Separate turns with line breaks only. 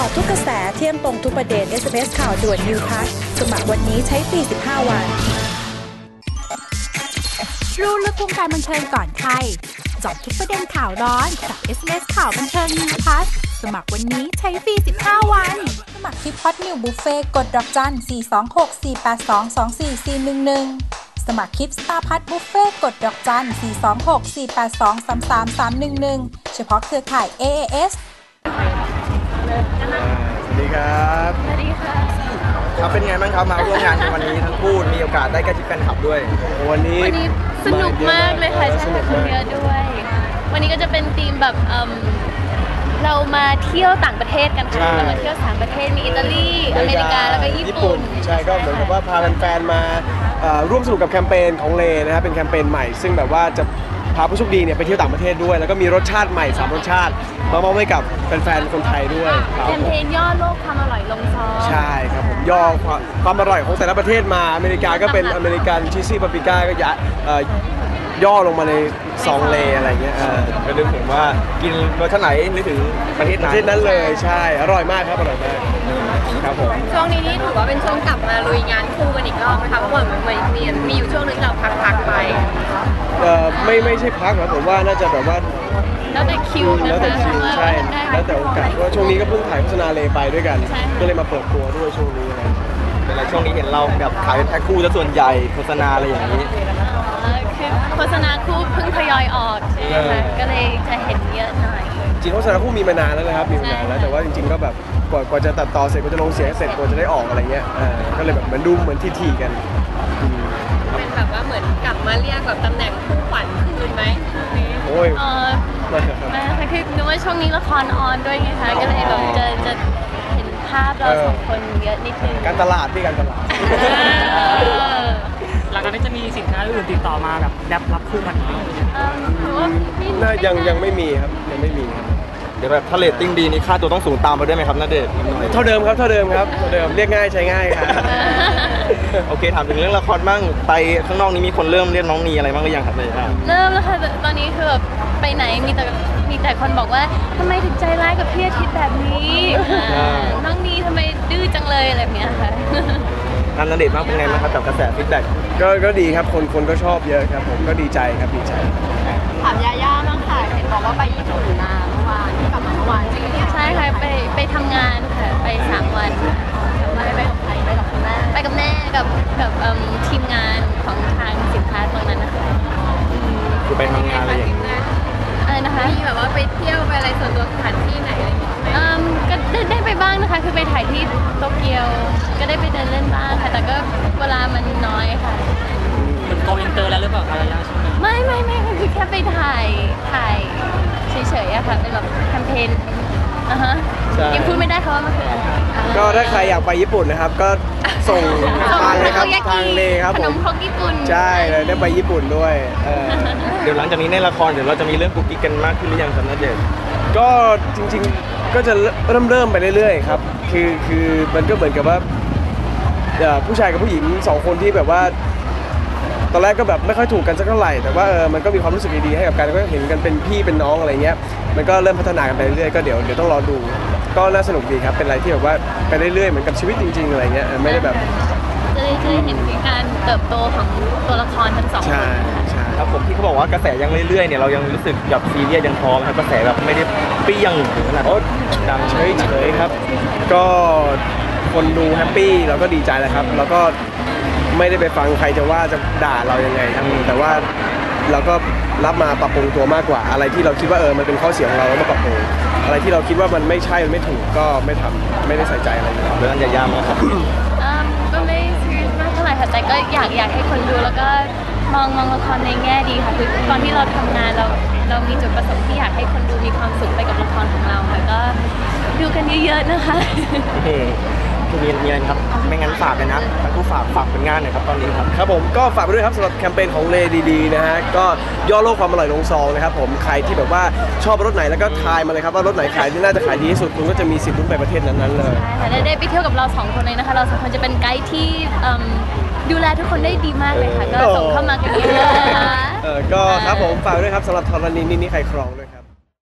าะทุกกระแสเที่ยงตรงทุกประเด็น SMS ข่าวด่วน New Pass สมัครวันนี้ใช้ฟรี15 วัน
รู้ลึกวงการบันเทิงก่อนใครเจาะทุกประเด็นข่าวร้อนกับ SMS ข่าวบันเทิง New Pass สมัครวันนี้ใช้ฟรี15 วันสมัครที่พอดนิวบุฟเฟ่กดดอกจัน 426-482-24411 สมัครคลิปสตาร์พัทบุฟเฟ่กดดอกจัน 426-482-33311 เฉพาะเครือข่าย AAS
สวัสดีครับ
สวัสดีค่ะ
ครับเป็นไงบ้างครับมาร่วมงานในวันนี้ทั้งคู่มีโอกาสได้ใกล้ชิดแฟนคลับด้วยวันนี้
สนุกมากเลยค่ะใช่ค่ะคนเยอะด้วย วันนี้ก็จะเป็นธีมแบบเรามาเที่ยวต่างประเทศกันค่ะเรามาเที่ยว3ประเทศมีอิตาลีอเมริกาแล้วก็ญี่ปุ่น
ใช่ก็เหมือนกับว่าพาแฟนๆมาร่วมสนุกกับแคมเปญของเลนะครับเป็นแคมเปญใหม่ซึ่งแบบว่าจะพาผู้โชคดีเนี่ยไปเที่ยวต่างประเทศด้วยแล้วก็มีรสชาติใหม่3รสชาติมามอบให้กับแฟนๆคนไทยด้วย
แคมเปญย่อโลกความอร่อยลงซอง
ใช่ครับผมย่อความอร่อยของแต่ละประเทศมาอเมริกาก็เป็นอเมริกันชีสซี่ปาปริก้าก็ย่อลงมาในซองเลอะไรเงี้ยก็นึกถึงว่ากินรสชาติไหนนึกถึงประเทศนั้นเลยใช่อร่อยมากครับอร่อยมากครับผม
ช่วงนี้นี่ถือว่าเป็นช่วงกลับมาลุยงานคู่กันอีกรอบนะคะเพราะว่าเหมือนมีอยู่ช่วงนึงเราพักไป
ไม่ใช่พักนะผมว่าน่าจะแบบว่า
แล้วแต่คิวนะคะ
แล้วแต่คิวใช่แล้วแต่โอกาสเพราะช่วงนี้ก็เพิ่งถ่ายโฆษณาเลไปด้วยกันก็เลยมาเปิดตัวด้วยช่วงนี้นะแต่ช่วงนี้เห็นเราแบบขายเป็นแพ็คคู่ซะส่วนใหญ่โฆษณาอะไรอย่างนี้
โฆษณาคู่เพิ่งทยอยออกใช่ไหมคะก็เลยจะเห็นเยอะหน่อย
จริงโฆษณาคู่มีมานานแล้วนะครับมีมานานแล้วแต่ว่าจริงๆก็แบบกว่าจะตัดต่อเสร็จกว่าจะลงเสียงเสร็จกว่าจะได้ออกอะไรเงี้ยก็เลยแบบเหมือนดูเหมือนทีๆกัน
เป็นแบบว่าเหมือนกลับมาเรียกแบบตำแหน่งคู่ขวัญคืนไหม
โอ้ย
ไม่ค่ะคือนึกว่าช่วงนี้ละครออนด้วยไงคะก็เลยแบบจะเห็นภาพเราสองคนเยอะนิดนึง
การตลาดที่การตลาด
หลังจากนี้จะมีสินค้าอื่นติดต่อมาแบบรับคู่กันไหม
ยังไม่มีครับยังไม่มีครับเดี๋ยวแบบถ้าเรตติ้งดีนี่ค่าตัวต้องสูงตามไปด้วยไหมครับณเดชน์เท่าเดิมครับเรียกง่ายใช้ง่ายครับโอเคถามถึงเรื่องละครบ้างไปข้างนอกนี้มีคนเริ่มเรียกน้องนีอะไรบ้างหรือยังครับเลยครับ
เริ่มแล้วค่ะตอนนี้คือแบบไปไหนมีแต่คนบอกว่าทำไมถึงใจร้ายกับพี่อาทิตย์แบบนี้น้องนีทำไมดื้อจังเลยอะไรแบบนี้ค่ะ
ณเดชน์มากเป็นไงบ้างครับกับกระแสฟีดแบ็กก็ดีครับคนก็ชอบเยอะครับผมก็ดีใจครับดีใจ
ถามยาย่าบ้างค่ะเห็นบอกว่าไปญี่ปุ่นมาเมื่อวานกลับมาเมื่อวานจริงใช่ค่ะไปทำงานค่ะไป3 วันไปกับใครไปกับคุณแม่ไปกับแม่กับทีมงานของทางสินค้าตรงนั้นนะคะ
คือไปทำงานอะไรอย่างนี้
อะไรนะคะมีแบบว่าไปเที่ยวไปอะไรส่วนตัวสถานที่ไหนอะไรอย่างเงี้ยก็ได้ไปบ้างนะคะคือไปถ่ายที่โตเกียวก็ได้ไปเดินเล่นบ้างค่ะแต่ก็เวลามันน้อยค่ะ
เป็นโกอินเตอร์แล้วหรือเปล่าคะยาย่าช่วงนี้
ไม่คือแค่ไปถ่ายเฉยๆอะค่ะเป็นแบบแคมเปญยังพูดไม่ได้ค่ะว่ามันคืออะไร
ก็ถ้าใครอยากไปญี่ปุ่นนะครับก็ส่งทางเลยครับทางเลครับ
ขนมครกญี่ปุ่น
ใช่เลยได้ไปญี่ปุ่นด้วยเดี๋ยวหลังจากนี้ในละครเดี๋ยวเราจะมีเรื่องกุ๊กกิ๊กกันมากขึ้นหรือยังครับณเดชน์ก็จริงๆก็จะเริ่มไปเรื่อยๆครับคือมันก็เหมือนกับว่าผู้ชายกับผู้หญิง2 คนที่แบบว่าตอนแรกก็แบบไม่ค่อยถูกกันสักเท่าไหร่แต่ว่ามันก็มีความรู้สึกดีๆให้กับกันก็เห็นกันเป็นพี่เป็นน้องอะไรเงี้ยมันก็เริ่มพัฒนากันไปเรื่อยๆก็เดี๋ยวต้องรอดูก็น่าสนุกดีครับเป็นอะไรที่แบบว่าไปเรื่อยๆเหมือนกับชีวิตจริงๆอะไรเงี้ยไม่ได้แบบ
จะได้เห็นการเติบโตของตัวละครทั้ง2 คน
ใช่ครับผมที่เขาบอกว่ากระแสยังเรื่อยๆเนี่ยเรายังรู้สึกแบบซีเรียสยังพร้อมครับกระแสแบบไม่ได้เปรี้ยงถึงขนาดดังเฉยๆครับก็คนดูแฮปปี้เราก็ดีใจแล้วครับแล้วก็ไม่ได้ไปฟังใครจะว่าจะด่าเรายังไงครับแต่ว่าเราก็รับมาปรับปรุงตัวมากกว่าอะไรที่เราคิดว่ามันเป็นข้อเสียของเราแล้วมาปรับปรุงอะไรที่เราคิดว่ามันไม่ใช่มันไม่ถูกก็ไม่ทำไม่ได้ใส่ใจอะไรเรื่องยากๆมากครับ
ก็ไม่ซีเรียสมากเท่าไหร่ค่ะแต่ก็อยากให้คนดูแล้วก็มองละครในแง่ดีค่ะคือตอนที่เราทำงานเรามีจุดประสงค์ที่อยากให้คนดูมีความสุขไปกับละครของเราค่ะก็ดูกันเยอะๆนะคะ
มีอะไรครับไม่งั้นฝากเลยนะทั้งคู่ฝากผลงานหน่อยครับตอนนี้ครับผมก็ฝากไปด้วยครับสำหรับแคมเปญของเลดีๆนะฮะก็ย่อโลกความอร่อยลงซองนะครับผมใครที่แบบว่าชอบรสไหนแล้วก็ทายมาเลยครับว่ารสไหนขายที่น่าจะขายดีที่สุดคุณก็จะมีสิทธิ์ลุ้นไปประเทศนั้นๆเลย
ใช่ได้ไปเที่ยวกับเรา2 คนเลยนะคะเรา2 คนจะเป็นไกด์ที่ดูแลทุกคนได้ดีมากเลยค่ะก็ส่งเข้ามากันเยอะนะคะ
ก็ครับผมฝากด้วยครับสำหรับธรณีนี่ใครครองด้วยครับ